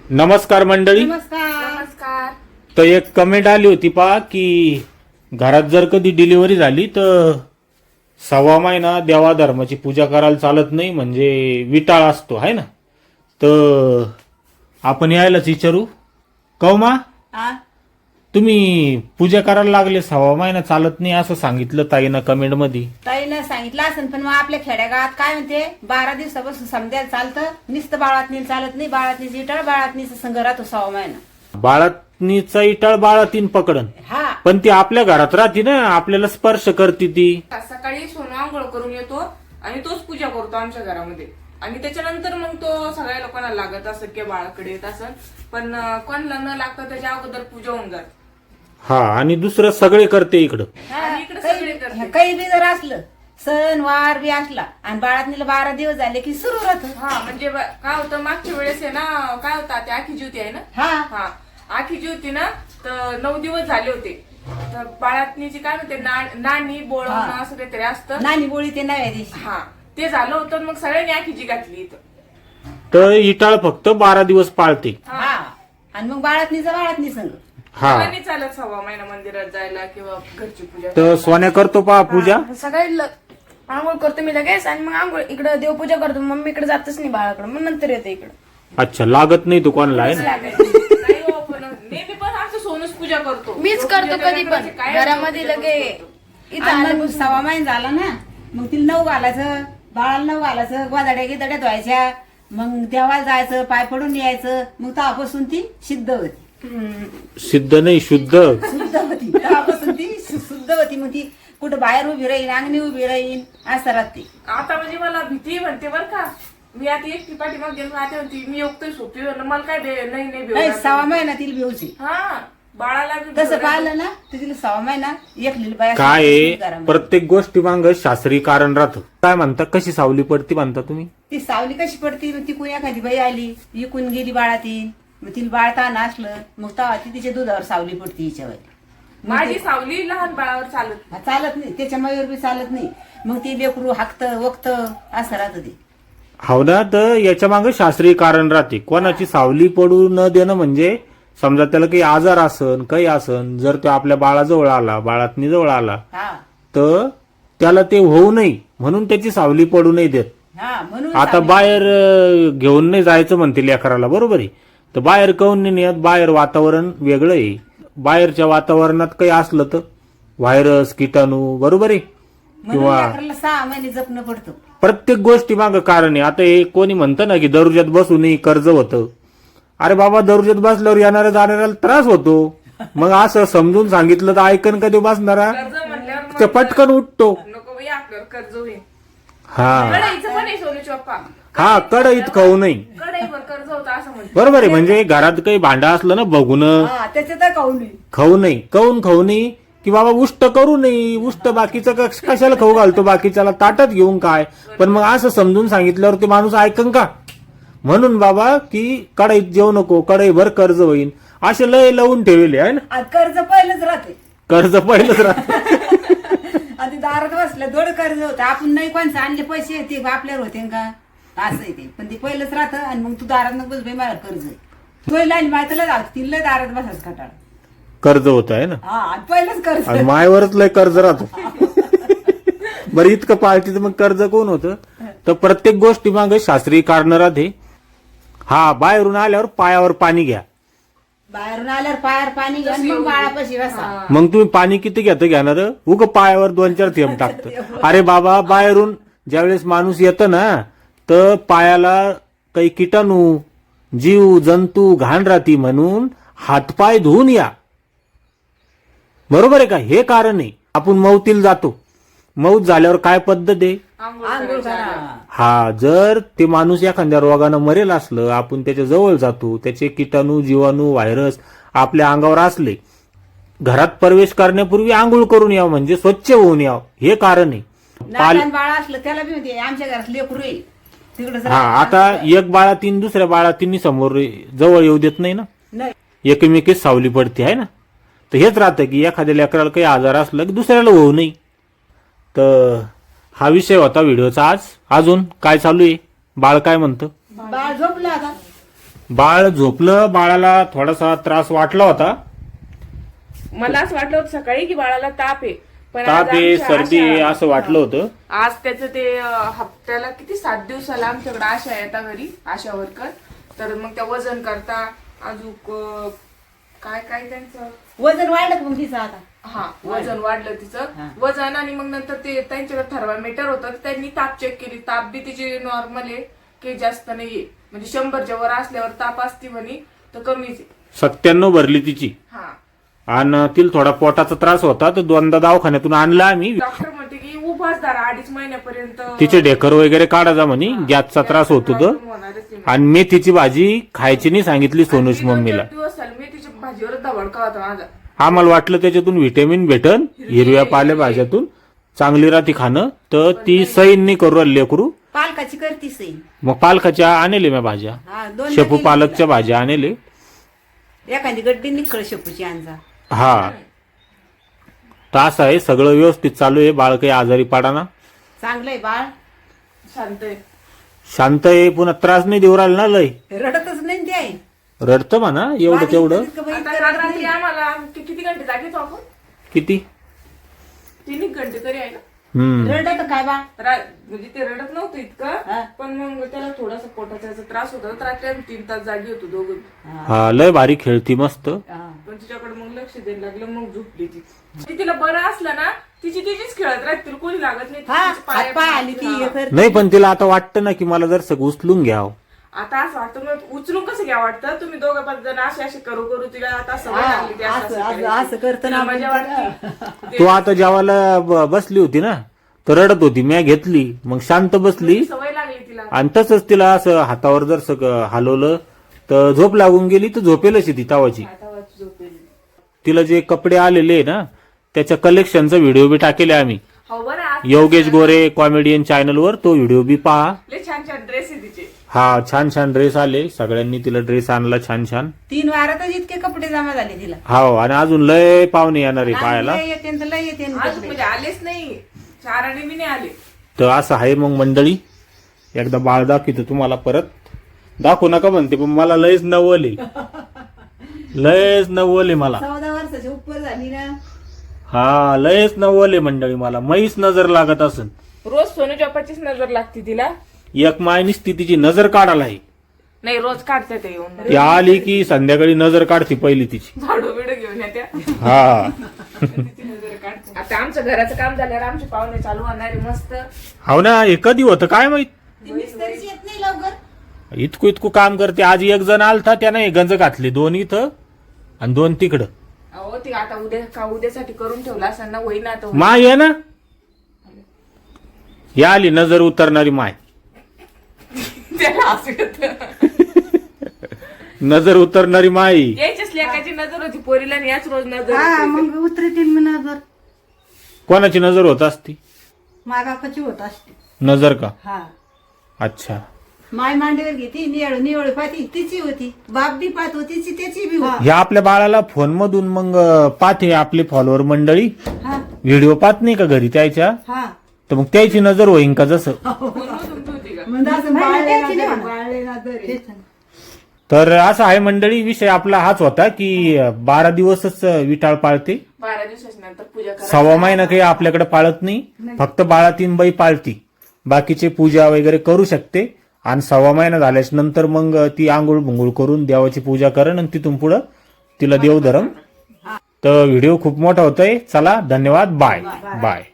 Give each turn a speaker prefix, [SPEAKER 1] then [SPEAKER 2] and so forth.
[SPEAKER 1] नमस्कार मंडळी.
[SPEAKER 2] नमस्कार.
[SPEAKER 1] तर एक कमेंट आली होती पहा की घरात जर कधी डिलिव्हरी झाली तर 6 महिना देवा धर्माची पूजा करायला चालत नाही, म्हणजे विटाळ असतो आहे ना. तर आपण यायलाच विचारू कौमा, तुम्ही पूजा करायला लागले 6 महिना चालत नाही असं सांगितलं ताईनं कमेंट मध्ये.
[SPEAKER 2] ताईनं सांगितलं असेल, पण मग आपल्या खेड्यागावात काय म्हणते 12 दिवसापासून समजायला चालतं, नुसतं बाळातनी चालत नाही. बाळातनीच इटाळ बाळातनीच संघ राहतो 6 महिना.
[SPEAKER 1] बाळातनीचा इटाळ बाळातीन पकडन,
[SPEAKER 2] हा
[SPEAKER 1] पण ती आपल्या घरात राहते ना, आपल्याला स्पर्श करते ती.
[SPEAKER 3] सकाळी सोनं आंघोळ करून येतो आणि तोच पूजा करतो आमच्या घरामध्ये, आणि त्याच्यानंतर मग तो सगळ्या लोकांना लागत असं किंवा बाळाकडे येत असं, पण कोणाला न लागतं त्याच्या अगोदर पूजा होऊन जात.
[SPEAKER 1] हा, आणि दुसरं सगळे करते इकडं.
[SPEAKER 3] आणि इकडे सगळे करते.
[SPEAKER 2] काही बी जर असलं सण वार बी असला आणि बाळातनीला 12 दिवस झाले की सुरू राहत.
[SPEAKER 3] हा, म्हणजे काय होतं मागच्या वेळेस आहे ना, काय होतं, त्या आखी ज्योती आहे ना.
[SPEAKER 2] हा
[SPEAKER 3] आखी ज्योती ना, तर 9 दिवस झाले होते. तर बाळातनीची काय म्हणते नाणी बोळवणं असं काहीतरी असतं.
[SPEAKER 2] नानी बोळी ते नव्या दिवशी.
[SPEAKER 3] हा, ते झालं होतं. मग सगळ्यांनी आखीची घातली इथं.
[SPEAKER 1] तर इटाळ फक्त 12 दिवस पाळते.
[SPEAKER 2] हा, आणि मग बाळातनी संघ.
[SPEAKER 1] हा,
[SPEAKER 3] नाही चालत 6 महिना मंदिरात जायला किंवा घरची पूजा.
[SPEAKER 1] तर सोन्या करतो पहा पूजा.
[SPEAKER 4] सकाळी आंघोळ करतो मी लगेच, आणि मग आंघोळ इकडे देवपूजा करतो. मम्मी इकडे जातच नाही बाळाकडे, मग नंतर येते इकडे.
[SPEAKER 1] अच्छा, लागत नाही तू कोणाला आहे ना.
[SPEAKER 3] नाही हो, पण नेहमी पण आमचं सोनूच पूजा करतो.
[SPEAKER 4] मीच करतो कधी पण घरामध्ये लगे इथं
[SPEAKER 2] आणि
[SPEAKER 4] आलं
[SPEAKER 2] मग 6 महिना झाला ना, मग तिला 9 घालायचं, बाळाला 9 घालायचं, गोदाड्या गिदाड्या धुवायच्या, मग देवाला जायचं, पाय पडून यायचं. मग तेव्हापासून ती सिद्ध होती.
[SPEAKER 1] सिद्ध नाही, शुद्ध.
[SPEAKER 2] शुद्ध होती तेव्हापासून ती शुद्ध होती. मग ती कुठं बाहेर उभी राहीन, अंगणी उभी राहीन, असं राहते.
[SPEAKER 3] आता म्हणजे मला भीती म्हणते बरं का. मी आता एकटी पाठीमाग गेलो, आता म्हणते मी योगतोय सोपी मला काय नाही
[SPEAKER 2] नाही 6 महिना तिला बेवची.
[SPEAKER 3] हा, बाळाला बी
[SPEAKER 2] तसं पाहिलं ना तर तिला 6 महिना एकली बाया
[SPEAKER 1] काय आहे,
[SPEAKER 2] घरामध्ये.
[SPEAKER 1] प्रत्येक गोष्टी मांग शास्त्रीय कारण राहतं. काय म्हणता, कशी सावली पडती म्हणता तुम्ही?
[SPEAKER 2] ती सावली कशी पडती, मग ती कोणी एखादी बाई आली इकून गेली बाळातीन, मग तिला बाळ ताण असलं, मग तेव्हा ती तिच्या दुधावर सावली पडती हिच्यावर.
[SPEAKER 3] माझी सावली लहान बाळावर चालत.
[SPEAKER 2] चालत नाही, त्याच्या मयूर बी चालत नाही. मग ती लेकरू हाकत वक्त असं राहत ते.
[SPEAKER 1] हो ना, तर याच्या मागे शास्त्रीय कारण राहते. कोणाची सावली पडू न देणं म्हणजे समजा त्याला काही आजार असन, काही असन, जर तो आपल्या बाळाजवळ आला, बाळातनी जवळ आला,
[SPEAKER 2] हा
[SPEAKER 1] तर त्याला ते होऊ नये म्हणून त्याची सावली पडू नाही देत.
[SPEAKER 2] हा म्हणून
[SPEAKER 1] आता
[SPEAKER 2] सावली.
[SPEAKER 1] बाहेर घेऊन नाही जायचं म्हणते लेकराला, बरोबर आहे. तर बाहेर काऊन नाही नेत? बाहेर वातावरण वेगळं आहे. बाहेरच्या वातावरणात काही असलं तर व्हायरस, किटाणू, बरोबर आहे.
[SPEAKER 2] म्हणून
[SPEAKER 1] किंवा
[SPEAKER 2] लेकराला 6 महिने जपणं पडतं.
[SPEAKER 1] प्रत्येक गोष्टी मागं कारण आहे. आता हे कोणी म्हणतं ना की दरुजात बसूनही कर्ज होतं. अरे बाबा, दरुजात बसल्यावर येणाऱ्या जाणाऱ्याला त्रास होतो. मग असं समजून सांगितलं तर ऐकन कधी बसणारा
[SPEAKER 3] कर्ज म्हणल्यावर
[SPEAKER 1] ते पटकन उठतो.
[SPEAKER 3] नको बाई, आपल्यावर कर्ज होईल.
[SPEAKER 1] हा
[SPEAKER 3] कढईचं पण आहे सोनूची पप्पा.
[SPEAKER 1] हा, कडईत खाऊ नाही,
[SPEAKER 3] कढईवर कर्ज होतं असं म्हणते.
[SPEAKER 1] बरोबर आहे. म्हणजे घरात काही भांडं असलं ना बघून
[SPEAKER 2] हा त्याच्यात खाऊ नये.
[SPEAKER 1] खाऊ नाही. काऊन खाऊ नाही? की बाबा उष्ट करू नये. उष्ट बाकीचं कशाला खाऊ घालतो, बाकीच्याला ताटात घेऊन काय. पण मग असं समजून सांगितल्यावर ते माणूस ऐकन का? म्हणून बाबा की कढईत जेवू नको, कढईभर कर्ज होईल, असे लय लावून ठेवले आहे ना.
[SPEAKER 2] आज कर्ज पहिलंच राहते.
[SPEAKER 1] कर्ज पहिलंच राहतं.
[SPEAKER 2] आधी दारात बसलं दोड कर्ज होतं. आपण नाही कोणचं आणले पैसे ते आपल्यावर होते का, असं आहे ते. पण ते पहिलंच राहतं. आणि मग तू दारात नको बस, मला कर्ज आहे तो लाईन माहितीला जाऊ तिला दारात बसायचं खटाळ.
[SPEAKER 1] कर्ज होत आहे ना,
[SPEAKER 2] हा आणि पहिलंच कर्ज.
[SPEAKER 1] आणि मायवरच लय कर्ज राहतो. बरं, इतकं पाळती तर मग कर्ज कोण होतं? तर प्रत्येक गोष्टी मागे शास्त्रीय कारण राहते. हा, बाहेरून आल्यावर पायावर पाणी घ्या.
[SPEAKER 2] बाहेरून आल्यावर पायावर पाणी घ्या आणि मग बाळापाशी बसा.
[SPEAKER 1] मग तुम्ही पाणी किती घेणार? उग पायावर 2-4 थेंब टाकतं. अरे बाबा, बाहेरून ज्यावेळेस माणूस येतं ना, तर पायाला काही किटाणू, जीव जंतू, घाण राहती म्हणून हातपाय धुवून या, बरोबर आहे का? हे कारण आहे. आपण मौतीला जातो, मौत झाल्यावर काय पद्धत आहे?
[SPEAKER 2] आंघोळ करा.
[SPEAKER 1] हा, जर ते माणूस एखाद्या रोगानं मरेल असलं, आपण त्याच्या जवळ जातो, त्याचे किटाणू, जीवाणू, व्हायरस आपल्या अंगावर असले, घरात प्रवेश करण्यापूर्वी आंघोळ करून यावं, म्हणजे स्वच्छ होऊन यावं. हे कारण आहे.
[SPEAKER 2] लहान बाळ असलं त्याला बी म्हणते आमच्या घरात लेकरू आहे तिकडे.
[SPEAKER 1] हा, आता एक बाळातीन दुसऱ्या बाळातीन समोर जवळ येऊ देत नाही ना,
[SPEAKER 2] नाही
[SPEAKER 1] एकमेकीच सावली पडते आहे ना. तर हेच राहतं की एखाद्या लेकराला काही आजार असला की दुसऱ्याला होऊ नये. तर हा विषय होता व्हिडिओचा आज. अजून काय चालू आहे? बाळ काय म्हणतं?
[SPEAKER 2] बाळ झोपलं आता.
[SPEAKER 1] बाळ झोपलं. बाळाला थोडासा त्रास वाटला होता.
[SPEAKER 3] मला असं वाटलं होतं सकाळी की बाळाला ताप आहे, पण आज
[SPEAKER 1] ताप आहे,
[SPEAKER 3] आमच्या
[SPEAKER 1] सर्दी आहे
[SPEAKER 3] आशा-
[SPEAKER 1] असं वाटलं होतं.
[SPEAKER 3] आज त्याचं ते हप्त्याला किती 7 दिवसाला आमच्याकडे आशा येतात घरी, आशा वर्कर. तर मग त्या वजन करता अजून काय काय त्यांचं
[SPEAKER 2] वजन वाढलं का मग तिचं आता?
[SPEAKER 3] हा वजन वाढलं तिचं वजन. आणि मग नंतर ते त्यांच्याकडे थर्मामीटर होतं, तर त्यांनी ताप चेक केली. ताप बी तिची नॉर्मल आहे, काही जास्त नाहीये. म्हणजे 100च्या वर असल्यावर ताप असती म्हणे, तर कमीच आहे.
[SPEAKER 1] 97 भरली तिची.
[SPEAKER 3] हा
[SPEAKER 1] आणि तिला थोडा पोटाचा त्रास होता, तर 2दा दवाखान्यातून आणला आम्ही.
[SPEAKER 3] डॉक्टर म्हणते की उभाच धरा 2.5 महिन्यापर्यंत.
[SPEAKER 1] तिचे ढेकर वगैरे काढा म्हणे, गॅसचा त्रास होत होता.
[SPEAKER 3] होणारच आहे.
[SPEAKER 1] आणि मेथीची भाजी खायची नाही सांगितली सोनूश
[SPEAKER 3] आणि 2-4
[SPEAKER 1] मम्मीला.
[SPEAKER 3] दिवस झाले मी तिच्या भाजीवर धवडका होता माझा.
[SPEAKER 1] आम्हाला वाटलं त्याच्यातून व्हिटॅमिन भेटन, हिरव्या पालेभाज्यातून चांगली राहती खाणं, तर ती सैन नाही करू राहिली लेकरू.
[SPEAKER 2] पालकाची करतीस आहे.
[SPEAKER 1] मग पालकाच्या आणले मी भाज्या,
[SPEAKER 2] हा, 2
[SPEAKER 1] शेपू पालकच्या भाज्या आणले.
[SPEAKER 2] एखादी गड्डी निकळ शेपूची आणजा.
[SPEAKER 1] हा, तर असं आहे, सगळं व्यवस्थित चालू आहे. बाळ काही आजारी पाडाना,
[SPEAKER 2] चांगलंय बाळ,
[SPEAKER 3] शांत आहे.
[SPEAKER 1] शांत आहे. पुन्हा त्रास नाही देऊ राहिला ना लय.
[SPEAKER 2] रडतच नाही ते आहे.
[SPEAKER 1] रडतं म्हणा एवढं तेवढं.
[SPEAKER 3] आता काल रात्री आम्हाला किती घंटे जागेच आपण
[SPEAKER 1] किती
[SPEAKER 3] 3 घंटे तरी आहे ना.
[SPEAKER 2] रडत काय बा?
[SPEAKER 3] म्हणजे ते रडत नव्हतं इतकं, पण मग त्याला थोडासा पोटाचा याचा त्रास होता, तर रात्री आम्ही 3 तास जागी होतो दोघं.
[SPEAKER 1] हा, लय भारी खेळती मस्त.
[SPEAKER 3] पण तिच्याकडे मग लक्ष द्यायला लागलं, मग झोपली ती. तिला बरं असलं ना तिचीच खेळत राहते, तिला कोणी लागत नाही.
[SPEAKER 2] हा,
[SPEAKER 3] तिचे पाय-
[SPEAKER 2] हात पाय आली की हे करते.
[SPEAKER 1] नाही, पण तिला आता वाटतं ना की मला जर सगळं उचलून घ्यावं.
[SPEAKER 3] आता असं वाटतं मग उचलून कसं घ्या वाटतं. तुम्ही 2-5 जण असे करू करू तिला आता सवय
[SPEAKER 2] हा,
[SPEAKER 3] लागली ती असं-
[SPEAKER 2] असं-
[SPEAKER 3] असं
[SPEAKER 2] असं-
[SPEAKER 3] करायची.
[SPEAKER 2] असं करतं ना
[SPEAKER 3] तिला मजा
[SPEAKER 2] आपण.
[SPEAKER 3] वाटते.
[SPEAKER 1] तू आता जेवायला बसली होती ना, तर रडत होती. मी घेतली, मग शांत बसली.
[SPEAKER 3] सवय लागली तिला.
[SPEAKER 1] आणि तसंच तिला असं हातावर जर सगळं हलवलं तर झोप लागून गेली, तर झोपेलच ती तावाची.
[SPEAKER 3] आता वाच झोपेल.
[SPEAKER 1] तिला जे कपडे आलेले ना, त्याच्या कलेक्शनचा व्हिडिओ बी टाकेले आम्ही
[SPEAKER 3] हो बरं आज
[SPEAKER 1] योगेश गोरे कॉमेडियन चॅनलवर. तो व्हिडिओ बी पहा.
[SPEAKER 3] लय छान छान ड्रेस आहे तिचे.
[SPEAKER 1] हा, छान छान ड्रेस आले. सगळ्यांनी तिला ड्रेस आणला छान छान.
[SPEAKER 2] 3 वारातच इतके कपडे जमा झाले तिला.
[SPEAKER 1] हो, आणि अजून लय पाहुणे येणार आहे पाहायला.
[SPEAKER 2] लय येते तर लय येते
[SPEAKER 3] आज म्हणजे आलेच नाही, 4 आणि मी नाही आले.
[SPEAKER 1] तर असं आहे मग मंडळी. एकदा बाळ दाखवतो तुम्हाला, परत दाखवू नका म्हणते, पण मला लयच नवले, लयच नवले मला.
[SPEAKER 2] 14 वर्षाची उपर झाली ना.
[SPEAKER 1] हा, लयच नवले मंडळी मला. मैच नजर लागत असन.
[SPEAKER 3] रोज सोनू चपाचीच नजर लागते तिला.
[SPEAKER 1] एक माय निसती तिची नजर काढायला आहे.
[SPEAKER 3] नाही रोज काढते ते येऊन
[SPEAKER 1] ती आली की संध्याकाळी नजर काढते पहिली तिची.
[SPEAKER 3] झाडू बिडू घेऊन येत्या.
[SPEAKER 1] हा,
[SPEAKER 3] तिची नजर काढते. आता आमचं घराचं काम झाल्यावर आमचे पाहुणे चालू होणार आहे मस्त.
[SPEAKER 1] हो ना. हे कधी होतं काय माहित.
[SPEAKER 2] ती मिस्त्रीची येत नाही लवकर.
[SPEAKER 1] इतकं काम करते. आज एक जण आलता, त्यानं हे गंज घातले, 2 इथं आणि 2 तिकडं.
[SPEAKER 3] अहो ती आता उद्यासाठी करून ठेवला असं ना, होईना आता.
[SPEAKER 1] माय आहे ना, या आली नजर उतरणारी माय.
[SPEAKER 3] त्याला असं येतं.
[SPEAKER 1] नजर उतरणारी माय.
[SPEAKER 3] यायच्याच लेकाची नजर होती पोरीला आणि याच रोज नजर
[SPEAKER 2] हा,
[SPEAKER 3] होती.
[SPEAKER 2] मग उतरतील मी नजर.
[SPEAKER 1] कोणाची नजर होत असती?
[SPEAKER 2] माय बापाची होत असते.
[SPEAKER 1] नजर का?
[SPEAKER 2] हा,
[SPEAKER 1] अच्छा.
[SPEAKER 2] माय मांडीवर घेती, निवळ निवळ पाहती, तिची होती. बाप बी पाहत होती, त्याची बी होती.
[SPEAKER 1] ह्या आपल्या बाळाला फोन मधून मग पाहते आपले फॉलोअर मंडळी.
[SPEAKER 2] हा,
[SPEAKER 1] व्हिडिओ पाहत नाही का घरी त्याच्या,
[SPEAKER 2] हा.
[SPEAKER 1] तर मग त्याची नजर होईन का जसं.
[SPEAKER 3] म्हणून होती का?
[SPEAKER 2] म्हणजे असं बाळले नजर आहे.
[SPEAKER 1] तर असं आहे मंडळी. विषय आपला हाच होता की 12 दिवसच विटाळ पाळते.
[SPEAKER 3] 12 दिवसाच्या नंतर पूजा करा.
[SPEAKER 1] 1.25 महिना काही आपल्याकडे पाळत नाही. फक्त 12-3 बाई पाळती. बाकीचे पूजा वगैरे करू शकते. आणि 1.25 महिना झाल्याच्या नंतर मग ती आंघोळ भुंगोळ करून देवाची पूजा करण, आणि तिथून पुढं तिला देव धरम. तर व्हिडिओ खूप मोठा होतोय. चला, धन्यवाद. Bye bye.